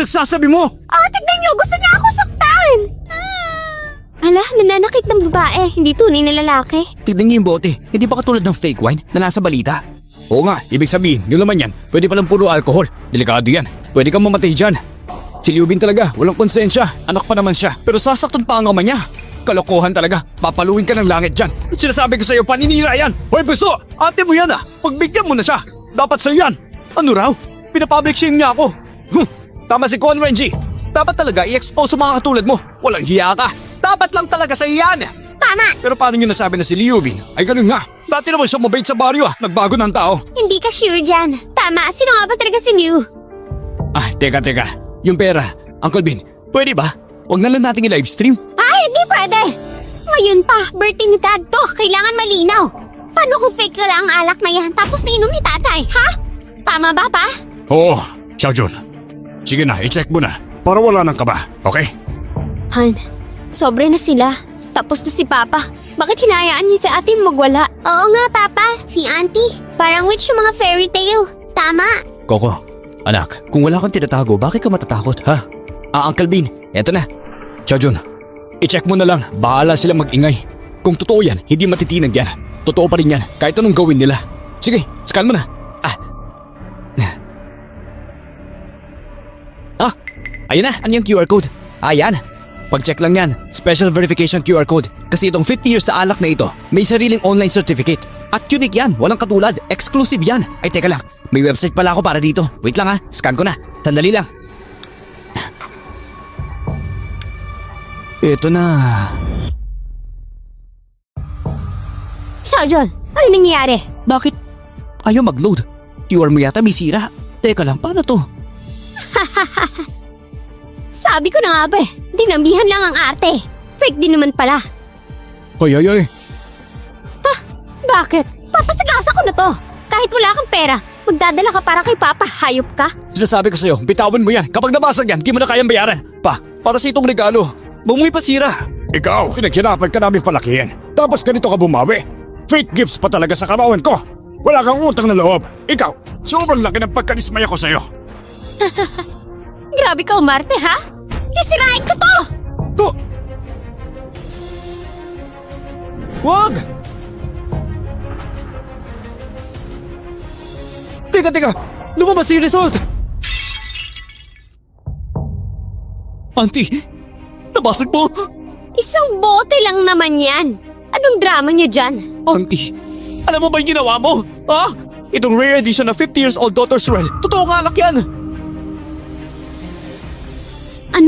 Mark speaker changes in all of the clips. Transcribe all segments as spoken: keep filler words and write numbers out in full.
Speaker 1: pinagsasabi mo?
Speaker 2: Ah, tignan niyo, gusto niya ako saktan! Hala, nananakit ng babae, hindi tunay na lalaki.
Speaker 1: Tignan niyo yung bote. Hindi ba katulad ng fake wine na nasa balita? Oo nga, ibig sabihin, yung laman yan, pwede palang puro alcohol. Delikado yan. Pwede kang mamatay dyan. Si Liubin talaga, walang konsensya. Anak pa naman siya. Pero sasaktan pa ang ama niya. Kalokohan talaga. Papaluin ka ng langit dyan. Sinasabi ko sa'yo, paninira yan. Hoy, buso! Ate mo yan ah. Pagbigyan mo na siya. Dapat sa'yo yan. Ano raw? Pinapublic shame niya ako. Huh, tama si Con Renji. Dapat talaga i-expose sa mga katulad mo. Walang hiya ka. Dapat lang talaga sa'yo yan.
Speaker 2: Tama!
Speaker 1: Pero paano niyo nasabi na si Liubin? Ay ganun nga. Dati naman siya mabait sa baryo ah. Nagbago ng tao.
Speaker 2: Hindi ka sure dyan. Tama, sino nga ba talaga si Liu?
Speaker 1: Ah, teka, teka. Yung pera, Uncle Bin, pwede ba? Huwag na lang nating i-livestream.
Speaker 2: Ay, hindi pwede! Ngayon pa, birthday ni Dad to, kailangan malinaw. Paano kung fake ka lang ang alak na yan tapos nainom ni tatay, ha? Tama ba, pa?
Speaker 1: Oo, Xiaojun. Sige na, i-check mo na. Para wala nang kaba, okay?
Speaker 2: Han, sobre na sila. Tapos na si Papa. Bakit hinayaan niya si ate magwala? Oo nga, Papa. Si Auntie. Parang witch yung mga fairy tale. Tama.
Speaker 1: Coco, anak, kung wala kang tinatago, bakit ka matatakot, ha? Ah, Uncle Bin, eto na. Xiaojun, i-check mo na lang. Bahala sila mag-ingay. Kung totoo yan, hindi matitinag yan. Totoo pa rin yan, kahit anong gawin nila. Sige, scan mo na. Ah. Ah, ayun na. Ano yung Q R code? Ah, yan. Pag-check lang yan. Special verification Q R code. Kasi itong fifty years na alak na ito, may sariling online certificate. At unique yan, walang katulad. Exclusive yan. Ay, teka lang. May website pala ako para dito. Wait lang ha, scan ko na. Sandali lang. Ito na.
Speaker 2: Xiaojun, ano nangyayari?
Speaker 1: Bakit? Ayaw mag-load. Q R mo yata may sira. Teka lang, paano to?
Speaker 2: Sabi ko na nga ba eh, dinambihan lang ang arte. Fake din naman pala.
Speaker 1: Hoy, hoy, hoy.
Speaker 2: Ha? Bakit? Papasagasa ko na to. Kahit wala kang pera, magdadala ka para kay Papa, hayop ka?
Speaker 1: Sinasabi ko sa'yo, bitawan mo yan. Kapag nabasag yan, di mo na kayang bayaran. Pa, para sa itong regalo. Bumuhay pa sira. Ikaw, pinaghirapan ka namin palakihin. Tapos ganito ka bumawi. Fake gifts pa talaga sa karawan ko. Wala kang utang na loob. Ikaw, sobrang laki ng pagkadismaya ko sa'yo.
Speaker 2: Grabe ka umarte ha? Sisirain ko to!
Speaker 1: To! Wag! Teka, teka! Lumabas yung result! Auntie! Nabasag mo!
Speaker 2: Isang bote lang naman yan. Anong drama niya dyan?
Speaker 1: Auntie! Alam mo ba yung ginawa mo? Ha? Itong rare edition na fifty years old Doctor's Red. Totoo nga alak yan!
Speaker 2: Ano?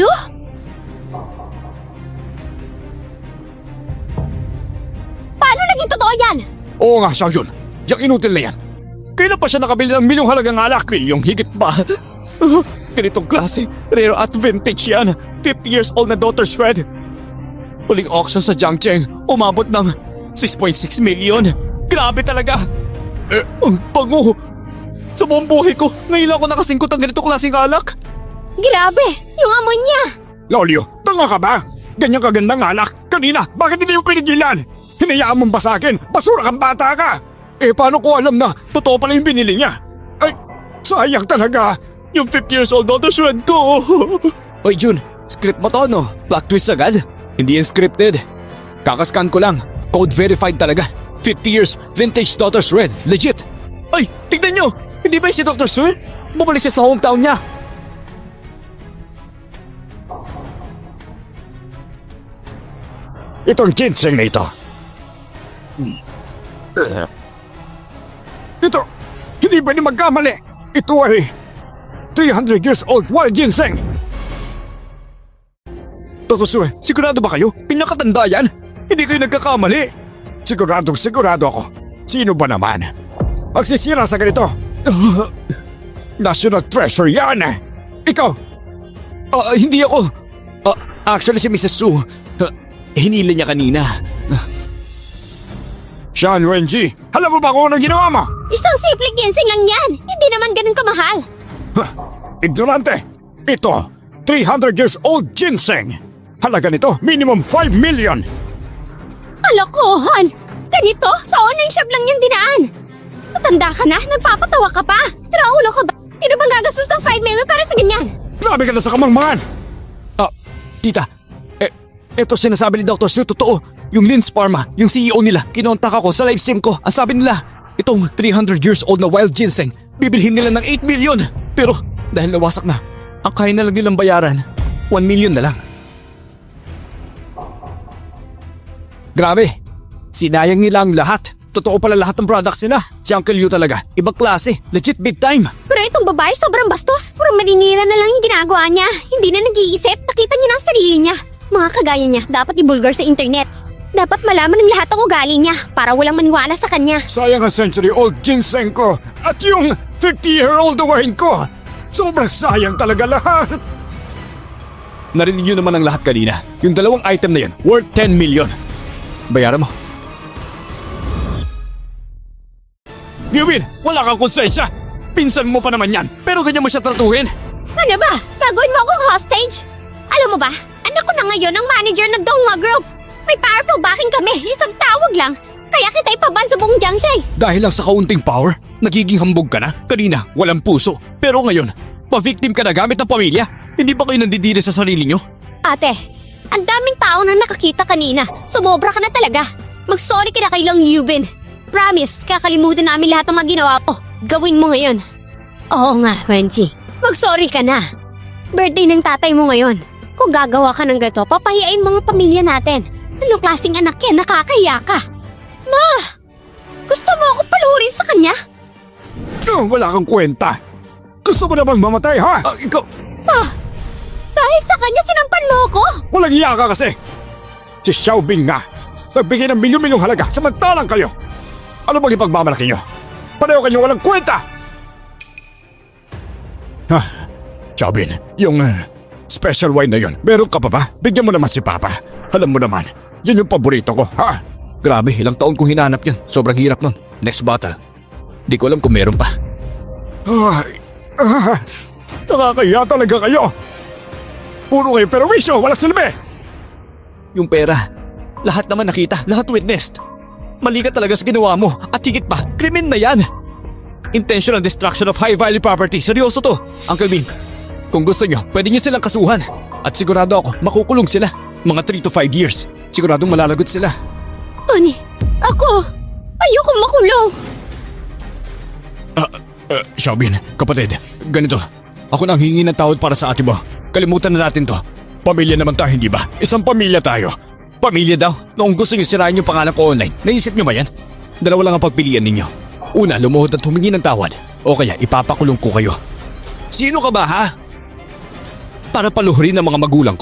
Speaker 2: Paano naging totoo yan?
Speaker 1: Oo nga, Xiaojun. Yang inutil na yan. Kailan pa siya nakabili ng milyong halagang alak? Milyong higit pa. Ganitong klase, rare at vintage yan. fifty years old na Doctor's Red. Huling auction sa Jiangcheng, umabot ng six point six million. Grabe talaga. Eh, ang bango. Sa buong buhay ko, ngayon lang ako nakasingkot ng ganitong klaseng alak.
Speaker 2: Grabe, yung amoy niya.
Speaker 1: Lolyo, tanga ka ba? Ganyan kagandang alak. Kanina, bakit hindi mo pinigilan? Hinayaan mong basakin. Basura kang bata ka. Eh, paano ko alam na totoo pala yung binili niya? Ay, sayang talaga. Yung fifty years old Doctor's Red ko. Hoy Jun, script mo to no? Plot twist agad? Hindi yan scripted. Kakascan ko lang. Code verified talaga. fifty years vintage Doctor's Red. Legit. Ay, tignan nyo. Hindi ba si Doctor's Red? Bumalik siya sa hometown niya. Itong ginseng na ito. Ito, hindi pwede magkamali. Ito ay three hundred years old wild ginseng. Doctor sigurado ba kayo? Pinakatanda yan? Hindi kayo nagkakamali. Siguradong sigurado ako. Sino ba naman? Magsisira sa ganito. Uh, National treasure yan. Ikaw. Uh, hindi ako. Uh, actually si Missus Su. Uh, hinila niya kanina. Uh. Sean Wenji, alam mo ba kung anong ginawa mo?
Speaker 2: Isang simple ginseng lang yan. Hindi naman ganun kamahal.
Speaker 1: Huh, ignorante. Ito, three hundred years old ginseng. Halaga nito, minimum five million.
Speaker 2: Kalokohan! Ganito, sa online shop lang yung dinaan. Matanda ka na, nagpapatawa ka pa. Sira ulo ka ba? Sino bang gagastos ng five million para sa ganyan?
Speaker 1: Grabe ka na sa kamangmangan! Ah, tita, eh, eto sinasabi ni doctor Sue, totoo. Yung Linz Pharma, yung C E O nila, kinontak ako sa live stream ko. Ang sabi nila, itong three hundred years old na wild ginseng, bibilhin nila ng eight million. Pero dahil nawasak na, ang kaya na lang nilang bayaran, one million na lang. Grabe, sinayang nila ang lahat. Totoo pala lahat ng products nila. Si Uncle Yu talaga, ibang klase, legit big time.
Speaker 2: Pero itong babae sobrang bastos. Puro maninira na lang yung ginagawa niya. Hindi na nag-iisip. Nakita niya ng sarili niya. Mga kagaya niya, dapat ibulgar sa internet. Dapat malaman ng lahat ang ugali niya para walang maniwala sa kanya.
Speaker 1: Sayang ang century-old ginseng ko at yung fifty-year-old wine ko. Sobrang sayang talaga lahat. Narinig niyo naman ang lahat kanina. Yung dalawang item na yun, worth ten million. Bayaran mo. Yubin, wala kang konsensya. Pinsan mo pa naman yan, pero ganyan mo siya tratuhin.
Speaker 2: Ano ba? Gagawin mo akong hostage? Alam mo ba, anak ko na ngayon ang manager ng Donghua Group. May powerful backing kami, isang tawag lang. Kaya kita ipaban sa buong Jiangxi.
Speaker 1: Dahil lang sa kaunting power, nagiging hambog ka na. Kanina, walang puso. Pero ngayon, pa-victim ka na gamit ng pamilya. Hindi ba kayo nandidiri sa sarili nyo?
Speaker 2: Ate, ang daming tao na nakakita kanina. Sumobra ka na talaga. Mag-sorry ka na kay Long Yubin. Promise, kakalimutan namin lahat ng mga ginawa ko. Gawin mo ngayon. Oo nga, Wenji. Mag-sorry ka na. Birthday ng tatay mo ngayon. Kung gagawa ka ng gato, papahiyain mga pamilya natin. Anong klaseng anak yan? Nakakahiya ka. Ma! Gusto mo ako paluhurin sa kanya?
Speaker 1: Uh, wala kang kwenta. Gusto mo namang mamatay, ha? Uh, ikaw...
Speaker 2: Pa! Dahil sa kanya sinampan mo ako?
Speaker 1: Walang iya ka kasi. Si Xiaobing nga. Nagbigay ng milyon-milyong halaga samantalang kayo. Ano bang ipagmamalaki nyo? Pareho kayong walang kwenta! Ha? Xiaobing, yung uh, special wine na yun, meron ka pa ba? Bigyan mo naman si Papa. Alam mo naman, yun yung paborito ko, ha? Grabe, ilang taon kong hinanap yun. Sobrang hirap nun. Next bottle. Di ko alam kung meron pa. Ay, ah, nakakaya talaga kayo. Puro kayo perwisyo, walang silbi. Yung pera, lahat naman nakita, lahat witnessed. Mali ka talaga sa ginawa mo at higit pa, krimen na yan. Intentional destruction of high-value property. Seryoso to. Uncle Bean, kung gusto nyo, pwede nyo silang kasuhan. At sigurado ako, makukulong sila. Mga three to five years. Siguradong malalagot sila.
Speaker 2: Ani, ako, ayoko makulong.
Speaker 1: Ah, uh, Xiaobin, kapatid, ganito. Ako na ang hingi ng tawad para sa ate mo. Kalimutan na natin to. Pamilya naman tayo, hindi ba? Isang pamilya tayo. Pamilya daw. Noong gusto nyo sirain yung pangalan ko online, naisip nyo ba yan? Dalawa lang ang pagpilian ninyo. Una, lumuhod at humingi ng tawad. O kaya ipapakulong ko kayo. Sino ka ba, ha? Para paluhurin ang mga magulang ko.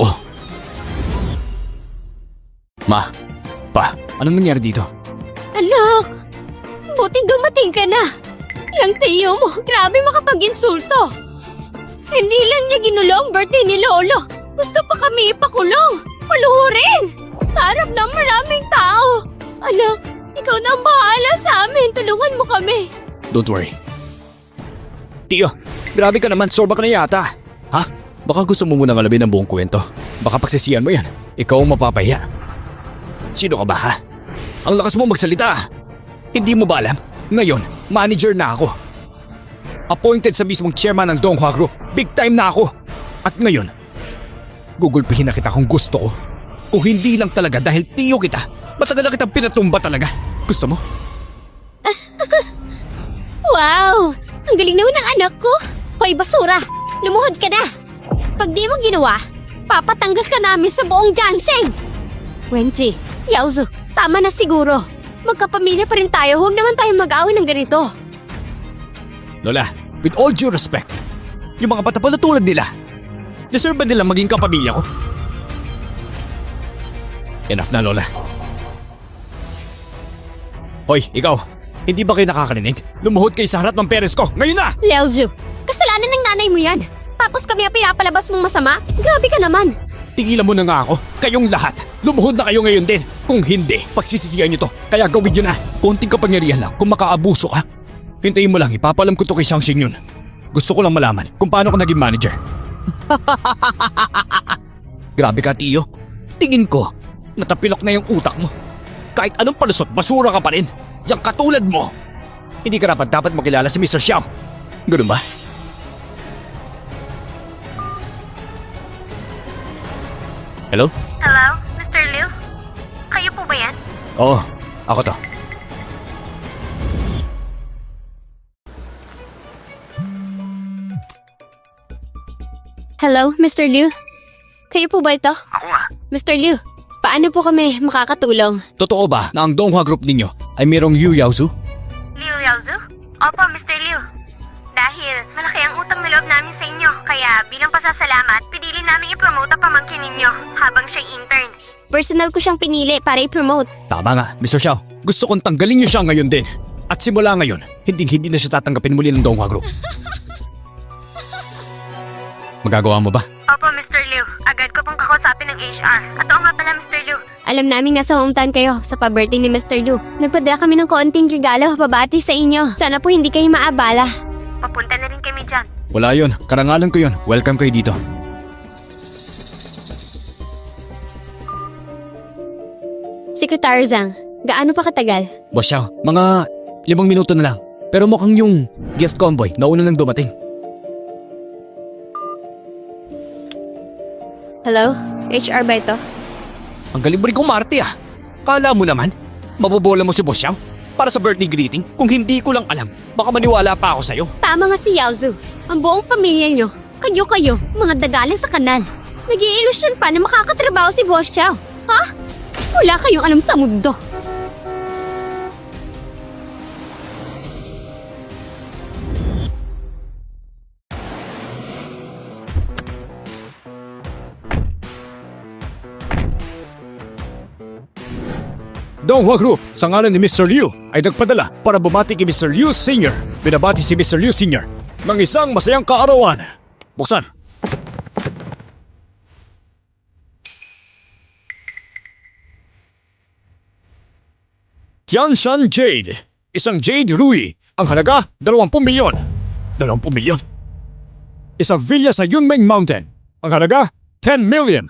Speaker 1: Ma, pa, anong nangyari dito?
Speaker 2: Anak, buti dumating ka na. Yung tiyo mo, grabe makapag-insulto. Hindi lang niya ginulo ang birthday ni Lolo. Gusto pa kami ipakulong. Paluhurin. Sa harap ng maraming tao. Anak, ikaw na ang bahala sa amin. Tulungan mo kami.
Speaker 1: Don't worry. Tiyo, grabe ka naman. Sorba ka na yata. Ha? Baka gusto mo munang alamin ang buong kwento. Baka pagsisiyan mo yan. Ikaw ang mapapahiya. Sino ka ba, ha? Ang lakas mo magsalita. Hindi mo ba alam? Ngayon, manager na ako. Appointed sa mismong chairman ng Donghua Group. Big time na ako. At ngayon, gugulpihin na kita kung gusto ko. Kung hindi lang talaga dahil tiyo kita, matagal na kitang pinatumba talaga. Gusto mo?
Speaker 2: Wow! Ang galing naman ng anak ko. Hoy, basura! Lumuhod ka na! Pag di mo ginawa, papatanggal ka namin sa buong Jiangxi! Wenji, Yaozu, tama na siguro. Magkapamilya pa rin tayo, huwag naman tayo mag-away ng ganito.
Speaker 1: Lola, with all due respect, yung mga bata pala tulad nila, deserve ba nila maging kapamilya ko? Enough na, Lola. Hoy, ikaw, hindi ba kayo nakakarinig? Lumuhod kayo sa harap ng parents ko, ngayon na!
Speaker 2: Liaozu, kasalanan ng nanay mo yan. Tapos kami ang pinapalabas mong masama? Grabe ka naman.
Speaker 1: Tigilan mo na nga ako, kayong lahat. Lumuhod na kayo ngayon din. Kung hindi, pagsisisihan nyo to. Kaya gawin nyo na. Konting kapangyarihan lang kung makaabuso ka. Hintayin mo lang, ipapalam ko to kay Xiangxing yun. Gusto ko lang malaman kung paano ko naging manager. Grabe ka, Tiyo. Tingin ko, natapilok na yung utak mo. Kahit anong palusot, basura ka pa rin. Yang katulad mo. Hindi ka dapat dapat makilala si Mister Xiao. Ganun ba? Hello?
Speaker 2: Hello, Mister Liu? Kayo po ba yan?
Speaker 1: Oo, ako to.
Speaker 2: Hello, Mister Liu? Kayo po ba ito?
Speaker 1: Ako nga.
Speaker 2: Mister Liu, paano po kami makakatulong?
Speaker 1: Totoo ba na ang Donghua Group ninyo ay mayroong Liu Yaozu?
Speaker 2: Liu Yaozu? Opo, Mister Liu. Dahil malaki ang utang na loob namin sa inyo, kaya bilang pasasalamat, pinili namin i-promote ang pamangkin ninyo habang siya'y intern. Personal ko siyang pinili para i-promote.
Speaker 1: Tama nga, Mister Xiao. Gusto kong tanggalin niyo siya ngayon din. At simula ngayon, hindi-hindi na siya tatanggapin muli ng Donghua Group. Magagawa mo ba?
Speaker 2: Opo, Mister Liu. Agad ko pong kakausapin ng H R. At oo nga pala, Mister Liu. Alam namin nasa hometown kayo sa pa-birthday ni Mister Liu. Nagpadala kami ng konting regalo pabati sa inyo. Sana po hindi kayo maabala. Papunta na rin kami dyan.
Speaker 1: Wala yun. Karangalan ko yun. Welcome kayo dito.
Speaker 2: Secretary Zhang, gaano pa katagal?
Speaker 1: Boss Xiao, mga limang minuto na lang. Pero mukhang yung gift convoy nauna nang dumating.
Speaker 2: Hello? H R ba ito?
Speaker 1: Ang galing mo rin kumarte ah. Kala mo naman, mabobola mo si Boss Xiao para sa birthday greeting? Kung hindi ko lang alam, baka maniwala pa ako sa'yo.
Speaker 2: Tama nga si Yaozu. Ang buong pamilya nyo, kayo-kayo, mga dagaling sa kanal. Nag-i-illusion pa na makakatrabaho si Boss Xiao. Ha? Wala kayong alam sa mundo.
Speaker 1: Donghua Group, sa ngalan ni Mister Liu, ay nagpadala para bumati kay Mister Liu Senior Binabati si Mister Liu Senior ng isang masayang kaarawan. Buksan. Tianshan Jade. Isang Jade Rui. Ang halaga, dalawampu milyon. Dalawampu milyon? Isang villa sa Yunmeng Mountain. Ang halaga, ten million.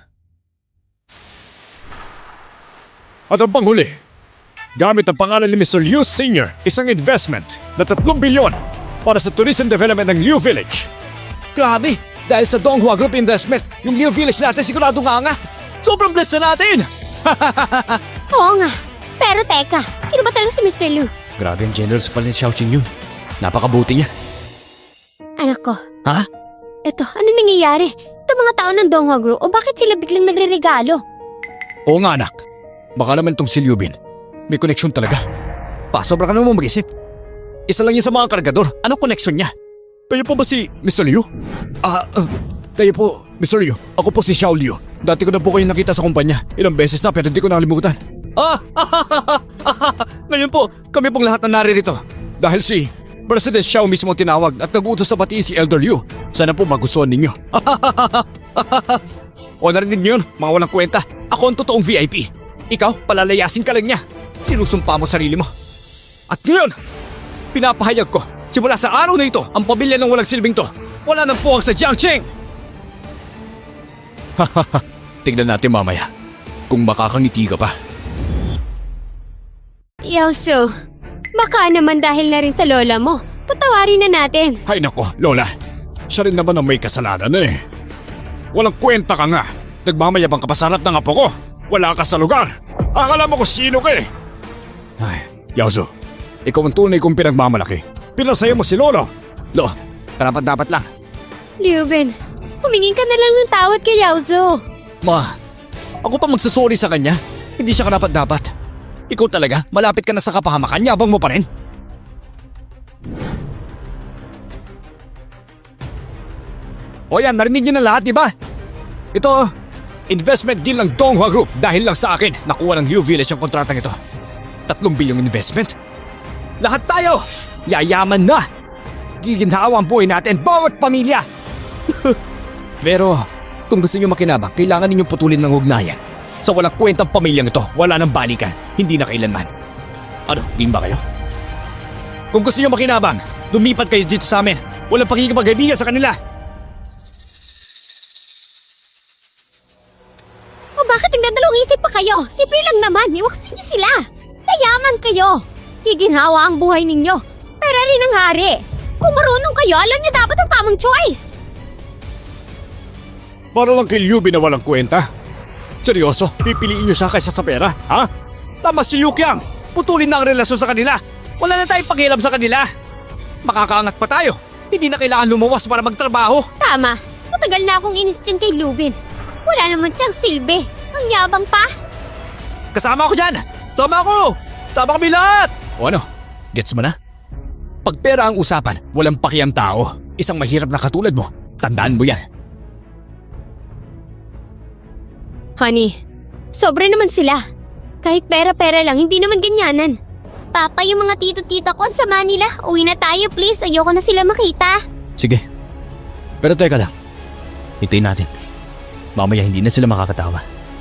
Speaker 1: At ang panghuli, gamit ang pangalan ni Mister Liu Senior, isang investment na tatlong bilyon para sa tourism development ng Liu Village. Grabe! Dahil sa Donghua Group Investment, yung Liu Village natin sigurado nga angat. Sobrang blessed na natin!
Speaker 2: Oo nga. Pero teka, sino ba talaga si Mister Liu?
Speaker 1: Grabe ang generous pala ni Xiaoqing yun. Napakabuti niya.
Speaker 2: Anak ko,
Speaker 1: Ha?
Speaker 2: eto, ano nangyayari? Ito mga tao ng Donghua Group o bakit sila biglang nagre-regalo?
Speaker 1: Oo nga anak. Baka naman itong si Liu Bin. May koneksyon talaga. Pasobra ka naman mag-isip. Isa lang yan sa mga kargador. Anong koneksyon niya? Kayo po ba si Mister Liu? Ah, uh, kayo po, Mister Liu. Ako po si Xiao Liu. Dati ko na po kayo nakita sa kumpanya. Ilang beses na pero hindi ko nakalimutan. Ah! Ngayon po, kami pong lahat na naririto. Dahil si President Xiao mismo ang tinawag at nag-utos sa pati si Elder Liu. Sana po magustuhan ninyo. O narinig niyo yun, mga walang kwenta. Ako ang totoong V I P. Ikaw, palalayasin ka lang niya. Sinusumpa mo sarili mo. At ngayon, pinapahayag ko, simula sa araw na ito, ang pamilya ng walang silbing to, wala nang puwang sa Jiangqing! Hahaha, tignan natin mamaya kung makakangiti ka pa.
Speaker 2: Yaozu, baka naman dahil na rin sa lola mo. Patawarin na natin.
Speaker 1: Hay nako, Lola. Siya rin naman ang may kasalanan eh. Walang kwenta ka nga. Nagmamayabang ka pa sa harap ng apo ko. Wala ka sa lugar. Akala mo kung sino ka eh. Ay, Yaozu, ikaw ang tunay kong pinagmamalaki. Pinasaya mo si Lolo. Lo, karapat dapat lang.
Speaker 2: Liu Bin, humingin ka na lang ng tawad kay Yaozu.
Speaker 1: Ma, ako pa magsasorry sa kanya. Hindi siya karapat dapat. Ikaw talaga, malapit ka na sa kapahamakan, yabang mo pa rin. O yan, narinig niyo na lahat, di ba? Ito, investment deal ng Donghua Group dahil lang sa akin nakuha ng Liu Village ang kontratang ito. Tatlong bilyong investment. Lahat tayo, yayaman na. Giginhawa ang buhay natin, bawat pamilya. Pero, kung gusto niyo makinabang, kailangan ninyong putulin ng ugnayan. Sa walang kwentang pamilyang ito, wala nang balikan, hindi na kailanman. Ano, game ba kayo? Kung gusto niyo makinabang, lumipat kayo dito sa amin. Walang pakikipagkaibigan sa kanila.
Speaker 2: O bakit nagdadalawang isip pa kayo? Simple lang naman, iwaksin niyo sila. Kayaman kayo. Giginhawa ang buhay ninyo. Pera rin ang hari. Kung marunong kayo, alam niyo dapat ang tamang choice.
Speaker 1: Para lang kay Liu Bin na walang kwenta. Seryoso? Pipiliin niyo siya kaysa sa pera? Ha? Tama si Liu Qiang! Putulin na ang relasyon sa kanila! Wala na tayong pakialam sa kanila! Makakaangat pa tayo! Hindi na kailangan lumuwas para magtrabaho!
Speaker 2: Tama. Matagal na akong inis dyan kay Lubin. Wala naman siyang silbi. Ang yabang pa.
Speaker 1: Kasama ako dyan! Sama ako! Sama kami lahat! O ano? Gets mo na? Pag pera ang usapan, walang pakiang tao. Isang mahirap na katulad mo. Tandaan mo yan.
Speaker 2: Honey, sobra naman sila. Kahit pera-pera lang, hindi naman ganyanan. Papa, yung mga tito-tita ko sa Manila, uwi na tayo please. Ayoko na sila makita.
Speaker 1: Sige. Pero teka lang. Hintayin natin. Mamaya hindi na sila makakatawa.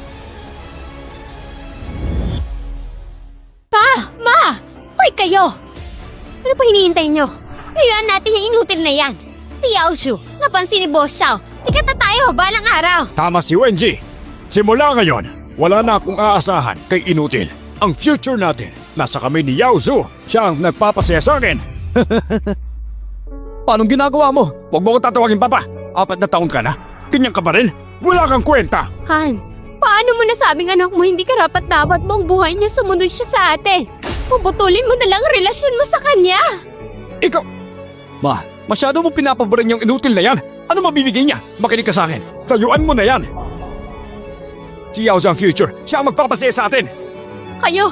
Speaker 2: Pa! Ma! Hoy kayo! Ano pa hinihintay nyo? Kayaan natin yung inutil na yan. Si Yaoshu, napansin ni Boss Xiao. Sikat na tayo, balang araw.
Speaker 1: Tama si Wenji. Simula ngayon, wala na akong aasahan kay Inutil. Ang future natin, nasa kami ni Yao Zhu. Siya ang nagpapasaya sa akin. Paanong ginagawa mo? Huwag mo akong tatawagin papa. Apat na taon ka na. Ganyan ka pa rin? Wala kang kwenta.
Speaker 2: Han, paano mo nasabing anak mo hindi karapat dapat buong buhay niya sumunod siya sa atin? Puputulin mo na lang ang relasyon mo sa kanya.
Speaker 1: Ikaw... Ma, masyado mo pinapaboran yung Inutil na yan. Ano mabibigay niya? Makinig ka sa akin. Tayuan mo na yan. Si Yao Zhu ang future. Siya ang magpapasaya sa atin.
Speaker 2: Kayo,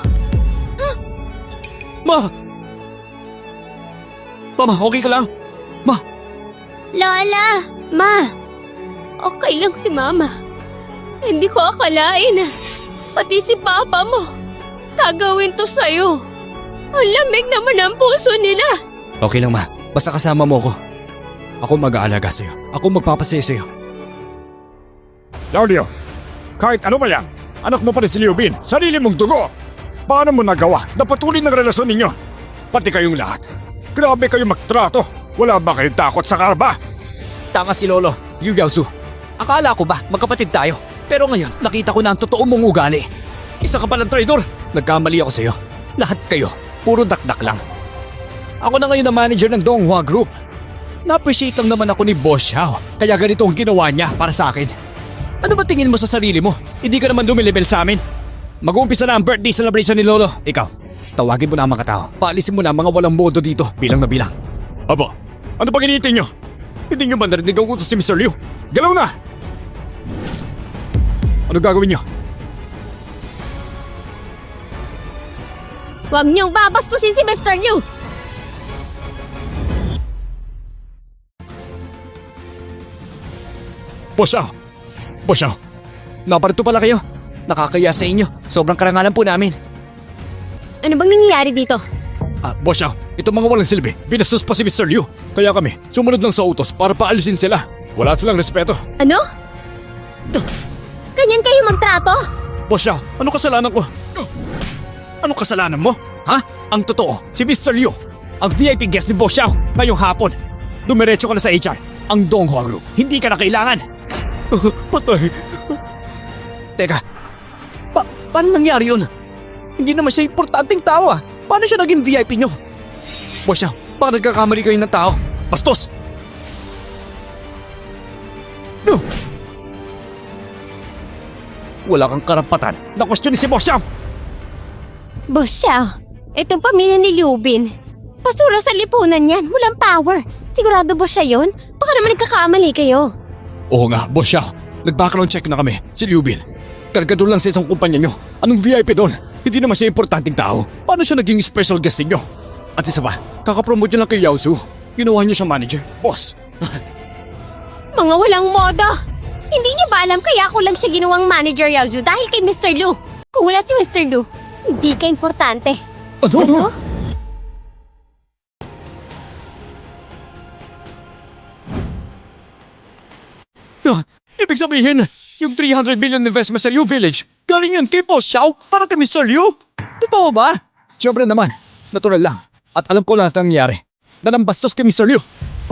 Speaker 1: Ma! Mama, okay ka lang? Ma!
Speaker 2: Lola, Ma, okay lang si Mama. Hindi ko akalain na pati si Papa mo gagawin to sa'yo. Ang lamig naman ang puso nila.
Speaker 1: Okay lang ma, basta kasama mo ako. Ako mag-aalaga sa'yo. Ako magpapasaya sa'yo. Claudio, kahit ano ba yan, anak mo pa rin si Liu Bin, sarili mong dugo. Paano mo nagawa na patuloy ng relasyon ninyo? Pati kayong lahat. Grabe kayo magtrato. Wala ba kayong takot sa karba? Tanga si Lolo, Liu Yaozu. Akala ko ba magkapatid tayo? Pero ngayon, nakita ko na ang totoo mong ugali. Isa ka palang traidor. Nagkamali ako sa'yo. Lahat kayo, puro dakdak lang. Ako na ngayon ang manager ng Donghua Group. Na-appreciate lang naman ako ni Boss Xiao. Kaya ganito ang ginawa niya para sa akin. Ano ba tingin mo sa sarili mo? Hindi ka naman lumilibel sa amin. Mag-uumpisa na ang birthday celebration ni Lolo. Ikaw, tawagin mo na ang mga tao. Paalisin mo na ang mga walang modo dito, bilang na bilang. Aba, ano ba ginitay nyo? Hindi nyo ba narinig ang utos si Mister Liu? Galaw na! Ano gagawin nyo?
Speaker 2: Huwag niyong babastusin si Mister Liu.
Speaker 1: Boss Xiao! Boss Xiao! Naparito pala kayo. Nakakaya sa inyo. Sobrang karangalan po namin.
Speaker 2: Ano bang nangyayari dito?
Speaker 1: Ah, Boss Xiao, itong mga walang silbi, binastos pa si Mister Liu. Kaya kami, sumunod lang sa utos para paalisin sila. Wala silang respeto.
Speaker 2: Ano? Ganyan kayo magtrato?
Speaker 1: Boss Xiao, ano kasalanan ko? Ano kasalanan mo? Ha? Ang totoo, si Mister Liu, ang V I P guest ni Boss Xiao ngayong hapon. Dumiretso ka na sa H R, ang Donghua Group. Hindi ka na kailangan. Patay. Teka, pa paano nangyari yun? Hindi naman siya importanteng tao ah. Paano siya naging V I P nyo? Boss Xiao, baka nagkakamali kayo ng tao. Bastos! No! Wala kang karapatan na question si Boss Xiao!
Speaker 2: Boss Xiao, itong pamilya ni Liu Bin. Basura sa lipunan yan, walang power. Sigurado ba siya yun? Baka naman nagkakamali kayo.
Speaker 1: Oo nga, Boss Xiao. Nag-background check na kami, si Liu Bin. Kargador lang sa isang kumpanya nyo. Anong V I P doon? Hindi naman siya importanteng tao. Paano siya naging special guest ninyo? At isa pa, kakapromote nyo lang kay Yao Zhu. Ginawa niyo siya manager. Boss!
Speaker 2: Mga walang modo. Hindi niyo ba alam kaya ako lang siya ginawang manager Yaozu dahil kay Mister Liu? Kung wala si Mister Liu, hindi ka importante.
Speaker 1: Ano? Ano? Ah, ibig sabihin, yung three hundred million investment sa Liu Village, galing yun kay Boss Xiao para kay Mister Liu? Totoo ba? Siyempre naman, natural lang. At alam ko lahat ang nangyari. Na nambastos kay Mister Liu.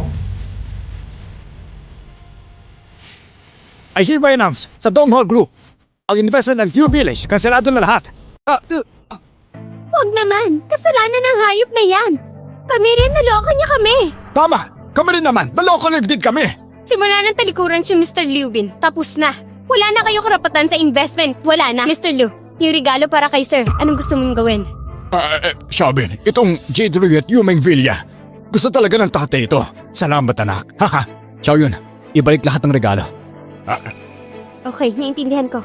Speaker 1: I hereby announce sa Donghua Group, ang investment ng Liu Village, kanselado na lahat. Ah, uh,
Speaker 2: Huwag naman, kasalanan ng hayop na yan. Kami rin, naloko niya kami.
Speaker 1: Tama! Kami rin naman, naloko din kami!
Speaker 2: Simula ng talikuran si Mister Liu Bin, tapos na. Wala na kayo karapatan sa investment. Wala na. mister Lu, yung regalo para kay sir. Anong gusto mong gawin?
Speaker 1: Ah, eh, Xiaobin, itong Jade Rui at Yumeng Villa. Gusto talaga ng tatay ito. Salamat anak. Haha. Xiaoyun, ibalik lahat ng regalo. Ah,
Speaker 2: Okay, naiintindihan ko.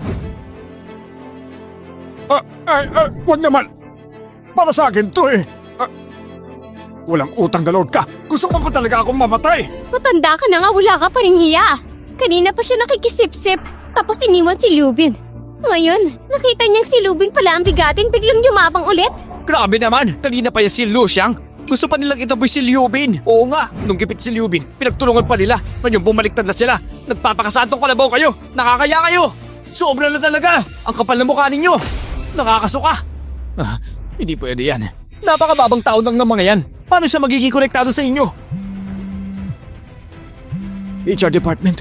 Speaker 1: ah, ay, ah, wag naman. Para sa akin to eh. Ah, walang utang galod ka. Gusto mo pa talaga akong mamatay.
Speaker 2: Matanda ka na nga, wala ka pa rin hiya. Kanina pa siya nakikisip-sip, tapos iniwan si Lubin. Ngayon, nakita niyang si Lubin pala ang bigatin, biglang yumabang ulit.
Speaker 1: Grabe naman. Kanina pa yan si Lu Xiang. Gusto pa nilang itaboy si Liu Bin. Oo nga, nung gipit si Liu Bin, pinagtulungan pa nila. Ngayon bumaliktad na sila. Nagpapakasantong kalabaw kayo. Nakakaya kayo. Sobra na talaga. Ang kapal na mukha ninyo. Nakakasuka. Ah, hindi pwede yan. Napakababang tao lang ng mga yan. Paano siya magiging konektado sa inyo? H R Department.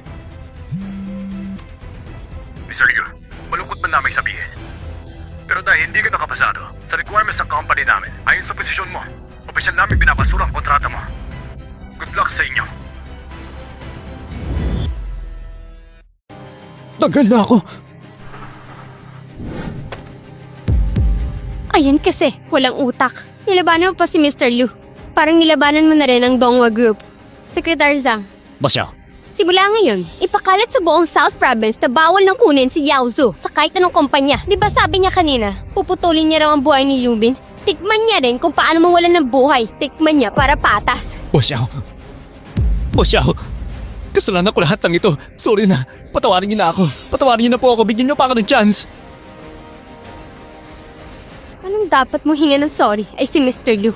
Speaker 3: mister Liu, malungkot man namin sabihin. Pero dahil hindi ka nakapasado sa requirements ng company namin, ayon sa posisyon mo, opisyal namin binabasura ang kontrata mo. Good luck sa inyo.
Speaker 1: Tagal na ako.
Speaker 2: Ayun kasi, walang utak. Nilabanan mo pa si mister Lu. Parang nilabanan mo na rin ang Dongwa Group. Secretary Zhang,
Speaker 1: Basya,
Speaker 2: simula ngayon, ipakalat sa buong South Province na bawal nang kunin si Yao Zhu sa kahit anong kumpanya. Di ba sabi niya kanina, puputulin niya raw ang buhay ni Lubin? Tikman niya rin kung paano mawalan ng buhay. Tikman niya para patas.
Speaker 1: Bosyaw. Bosyaw. Kasalanan ko lahat ng ito. Sorry na. Patawarin niyo na ako. Patawarin niyo na po ako. Bigyan niyo pa ako ng chance.
Speaker 2: Anong dapat mo hinga ng sorry ay si mister Lu.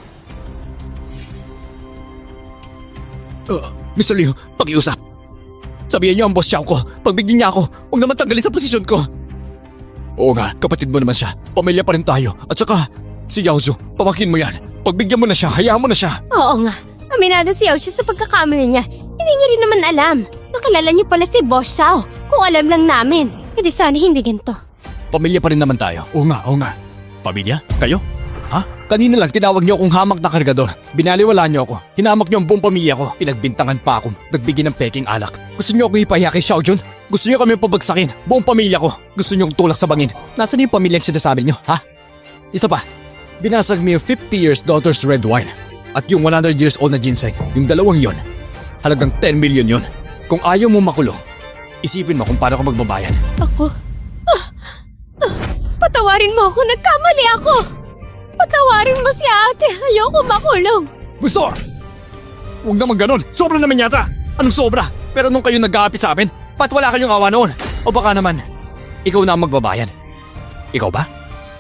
Speaker 1: Uh, mister Liu, pakiusap. Sabihin niyo ang boss Xiao ko. Pagbigyan niya ako, huwag naman tanggalin sa posisyon ko. Oo nga, kapatid mo naman siya. Pamilya pa rin tayo. At saka, si Yao Zhu, pamakin mo yan. Pagbigyan mo na siya, hayaan mo na siya.
Speaker 2: Oo nga, aminado si Yao siya sa pagkakamali niya. Hindi niya rin naman alam. Nakilala niyo pala si Boss Xiao. Kung alam lang namin. Hindi sana hindi ganito.
Speaker 1: Pamilya pa rin naman tayo. Oo nga, oo nga. Pamilya? Kayo? Ha? Kanina lang tinawag niyo akong hamak na kargador. Binaliwala niyo ako. Hinamak niyo ang buong pamilya ko. Pinagbintangan pa ako. Nagbigay ng peking alak. Gusto niyo ako ipahiya kay Xiao Jun? Gusto niyo kami pabagsakin? Buong pamilya ko. Gusto niyo akong tulak sa bangin? Nasaan yung pamilyang sinasabi niyo, ha? Isa pa. Binasag mo yung fifty years daughter's red wine. At yung one hundred years old na ginseng. Yung dalawang yon. Halagang ten million yon. Kung ayaw mo makulong, isipin mo kung paano ka magbabayad.
Speaker 2: Ako? Ah, ah, patawarin mo ako. Nagkamali ako. Patawarin mo si ate. Ayoko makulong.
Speaker 1: Gusto! Huwag naman ganun. Sobra naman yata. Anong sobra? Pero nung kayo nag-aapi sa amin, ba't wala kayong awa noon? O baka naman, ikaw na ang magbabayad. Ikaw ba?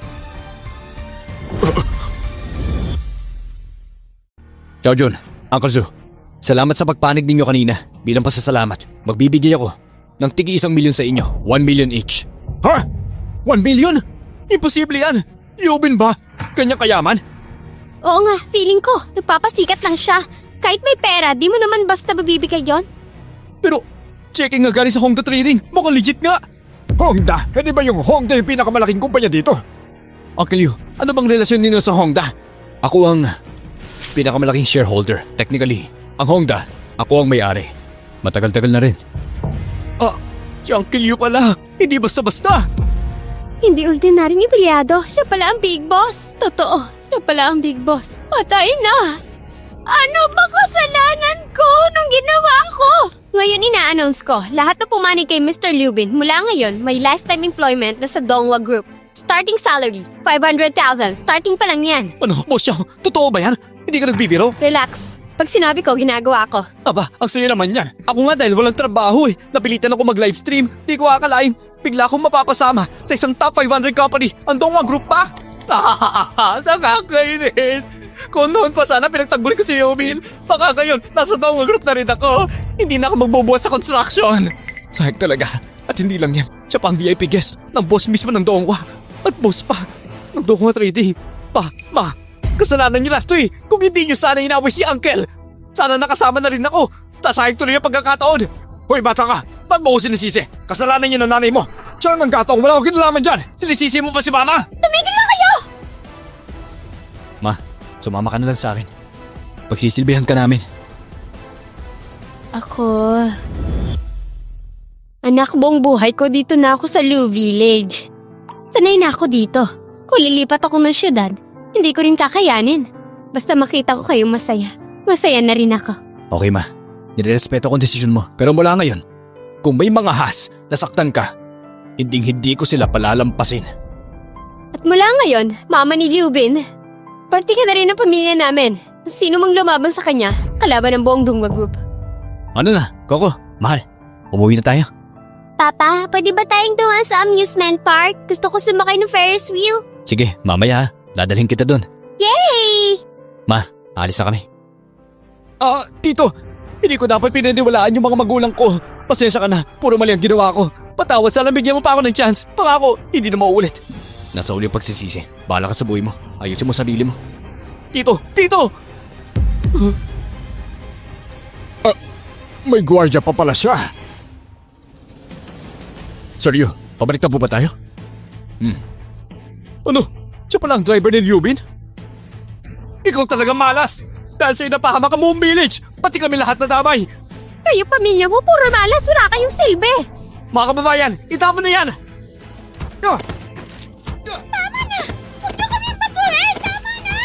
Speaker 1: Ciao Jun, Uncle Zu. Salamat sa pagpanig ninyo kanina. Bilang pasasalamat, magbibigay ako ng tigi isang milyon sa inyo. One million each. Ha? One million? Imposible yan. Yubin ba? Kanyang kayaman?
Speaker 2: Oo nga, feeling ko. Nagpapasikat lang siya. Kahit may pera, di mo naman basta mabibigay yon.
Speaker 1: Pero, checking nga galing sa Hongda Trading. Mukhang legit nga. Hongda? Hindi ba yung Hongda yung pinakamalaking kumpanya dito? Uncle Yu, ano bang relasyon ninyo sa Hongda? Ako ang pinakamalaking shareholder. Technically, ang Hongda, ako ang may-ari. Matagal-tagal na rin. Ah, si Uncle Yu pala. Hindi basta-basta.
Speaker 2: Hindi ordinaryong empleyado. Siya pala ang big boss. Totoo, siya pala ang big boss. Patay na. Ano ba kasalanan ko nung ginawa ko? Ngayon ina-announce ko, lahat na pumanig kay mister Lubin mula ngayon may lifetime employment na sa Dongwa Group. Starting salary, five hundred thousand. Starting pa lang yan.
Speaker 1: Ano, boss Xiao? Totoo ba yan? Hindi ka nagbibiro?
Speaker 2: Relax. Pag sinabi ko, ginagawa ko.
Speaker 1: Aba, ang sayo naman yan. Ako nga dahil walang trabaho eh. Napilitan ako mag-livestream. Di ko akalain. Bigla akong mapapasama sa isang top five hundred company. Ang Dongwa Group pa. Ah, nakakainis. Kung noon pa sana pinagtanggol ko si Yubin, baka ngayon nasa Dongwa Group na rin ako. Hindi na ako magbubuhat sa construction. Sayang talaga. At hindi lang yan. Siya pa ang V I P guest ng boss mismo ng Dongwa. At boss pa ng Dongwa Trading. Pa, ma, kasalanan niyo lahat to eh. Kung hindi niyo sana inaway si Uncle, sana nakasama na rin ako. Tasayang tuloy ang pagkakataon. Hoy bata ka, ba't mo ko sinisisi? Kasalanan niyo ng nanay mo. Siya ang kataong wala akong kinalaman dyan. Sinisisi mo pa si mama.
Speaker 2: Tumigil na kayo!
Speaker 1: Ma, sumama ka na lang sa akin. Pagsisilbihan ka namin.
Speaker 2: Ako... Anak, buong buhay ko dito na ako sa Lu Village. Sanay na ako dito. Kung lilipat ako ng syudad, hindi ko rin kakayanin. Basta makita ko kayong masaya, masaya na rin ako.
Speaker 1: Okay ma, nirerespeto ko ang desisyon mo. Pero mula ngayon, kung may mga has nasaktan ka, hindi hindi ko sila palalampasin.
Speaker 2: At mula ngayon, mama ni Liubin, parte ka na rin ng pamilya namin. Sino mang lumaban sa kanya, kalaban ng buong Dungwa Group.
Speaker 1: Ano na, Coco, mahal, umuwi na tayo.
Speaker 2: Papa, pwede ba tayong dumaan sa amusement park? Gusto ko sumakay ng Ferris wheel.
Speaker 1: Sige, mamaya ha, dadalhin kita doon.
Speaker 2: Yay!
Speaker 1: Ma, alis na kami. Ah, tito, hindi ko dapat pinaniwalaan yung mga magulang ko. Pasensya ka na, puro mali ang ginawa ko. Patawad, sana bigyan mo pa ako ng chance. Pangako, hindi na mauulit. Nasa uli ang pagsisisi. Bahala ka sa buhay mo. Ayusin mo sarili mo. Tito, tito! Ah, may gwardiya pa pala siya. Seryo, pabalik na po ba tayo? Hmm. Ano? Siya pala ang driver ni Liubin? Ikaw talaga malas! Dahil sa'yo napahamak ang buong village! Pati kami lahat na damay!
Speaker 2: Kayo pamilya mo, puro malas, wala kayong silbi.
Speaker 1: Mga kababayan, itapon na yan! Ah!
Speaker 2: Tama na! Huwag niyo kami patuhin! Tama na!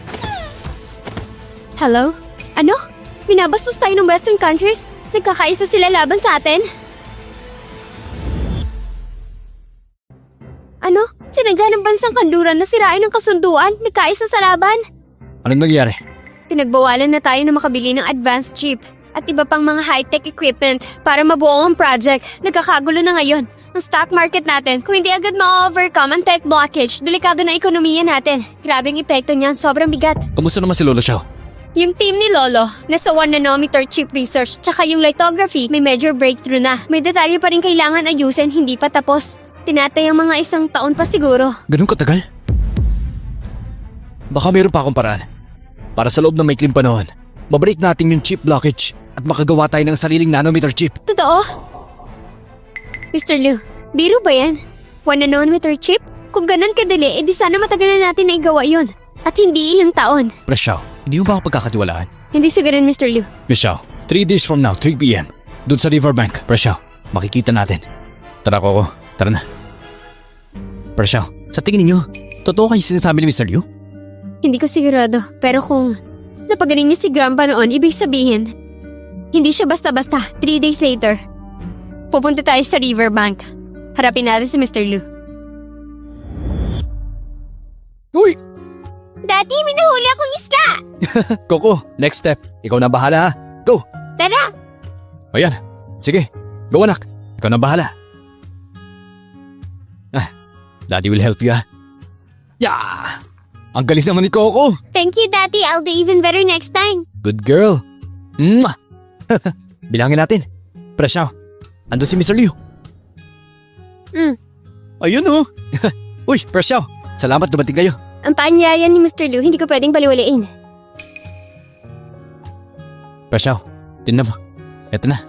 Speaker 2: Hello? Ano? Binabastos tayo ng western countries? Nagkakaisa sila laban sa atin? Ano? Sinadya ng bansang kanluran na sirain ang kasunduan? Nagkaisa sa laban?
Speaker 1: Anong nangyari?
Speaker 2: Pinagbawalan na tayo na makabili ng advanced chip at iba pang mga high-tech equipment para mabuo ang project. Nagkakagulo na ngayon ang stock market natin. Kung hindi agad ma-overcome ang tech blockage, delikado na ekonomiya natin. Grabe ang epekto niyan, sobrang bigat.
Speaker 1: Kamusta naman si Lolo Xiao?
Speaker 2: Yung team ni Lolo, nasa one nanometer chip research, tsaka yung lithography, may major breakthrough na. May detalye pa rin kailangan ayusin, hindi pa tapos. Tinatay ang mga isang taon pa siguro.
Speaker 1: Ganun katagal? Baka mayroon pa akong paraan. Para sa loob ng maikling panahon, mabreak natin yung chip blockage at makagawa tayo ng sariling nanometer chip.
Speaker 2: Totoo? mister Liu, biro ba yan? One nanometer chip? Kung ganun kadali, edi sana matagal na natin na igawa yun. At hindi ilang taon.
Speaker 1: Miss Xiao, hindi mo ba ako pagkakatiwalaan?
Speaker 2: Hindi siguro, mister Liu.
Speaker 1: Miss Xiao, three days from now, three p.m. Doon sa riverbank. Miss Xiao, makikita natin. Tara, Coco. Tara na. Miss Xiao, sa tingin niyo, totoo kayo sinasabi ni mister Liu?
Speaker 2: Hindi ko sigurado, pero kung napagaling niya si Grandpa noon, ibig sabihin, hindi siya basta-basta. Three days later, pupunta tayo sa riverbank. Harapin natin si mister Liu.
Speaker 1: Uy!
Speaker 2: Daddy, may nahuli akong isda!
Speaker 1: Coco, next step. Ikaw na bahala ha. Go!
Speaker 2: Tara!
Speaker 1: Ayan. Sige. Go anak. Ikaw na bahala. Ah, Daddy will help you ha. Yeah! Ang galis naman ni Coco.
Speaker 2: Thank you, Daddy. I'll do even better next time.
Speaker 1: Good girl. Mwah! Bilangin natin. Presyaw. Ando si mister Liu.
Speaker 2: Mm.
Speaker 1: Ayun oh. Uy, Presyaw. Salamat dumating kayo.
Speaker 2: Ang paanyaya ni mister Liu, hindi ko pwedeng baliwalain.
Speaker 1: Presyaw, tingnan mo. Eto na.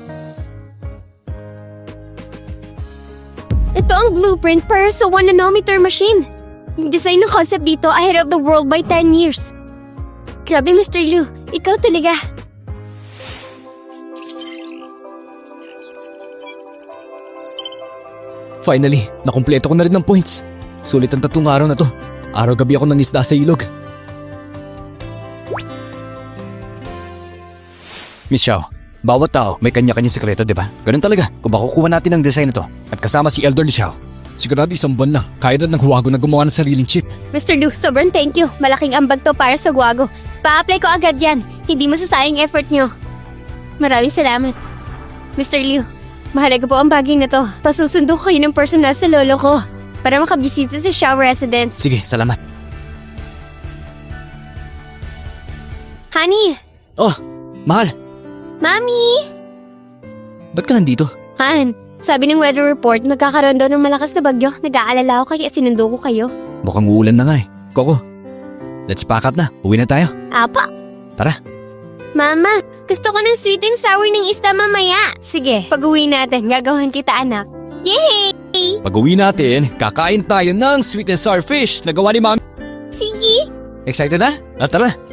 Speaker 2: Ito ang blueprint para sa one nanometer machine. Yung design ng concept dito ahead of the world by ten years. Grabe, mister Liu. Ikaw talaga.
Speaker 1: Finally, nakumpleto ko na rin ng points. Sulit ang tatlong araw na to. Araw-gabi ako ng isda sa ilog. Miss Xiao, bawat tao may kanya-kanyang sekreto, di ba? Ganun talaga. Kung makukuha natin ang design na to at kasama si Elder Xiao, sigurado isang buwan lang, kaya na ng Huwago na gumawa ng sariling chip.
Speaker 2: mister Liu, sobrang thank you. Malaking ambag to para sa Guwago. Pa-apply ko agad yan. Hindi masasayang effort nyo. Maraming salamat. mister Liu, mahalaga po ang baging na to. Pasusundo ko kayo ng personal sa lolo ko para makabisita sa Xiao Residence.
Speaker 1: Sige, salamat.
Speaker 2: Honey!
Speaker 1: Oh, mahal.
Speaker 2: Mami!
Speaker 1: Ba't ka nandito?
Speaker 2: Han, sabi ng weather report, magkakaroon daw ng malakas na bagyo. Nag-aalala ako kaya sinundo ko kayo.
Speaker 1: Mukhang uulan na nga eh. Coco, let's pack up na. Uwi na tayo.
Speaker 2: Apa?
Speaker 1: Tara.
Speaker 2: Mama, gusto ko ng sweet and sour ng isda mamaya. Sige, pag-uwi natin, gagawan kita anak. Yay!
Speaker 1: Pag uwi natin, kakain tayo ng sweet and sour fish na gawa ni Mami.
Speaker 2: Sige!
Speaker 1: Excited na? Ah, tara.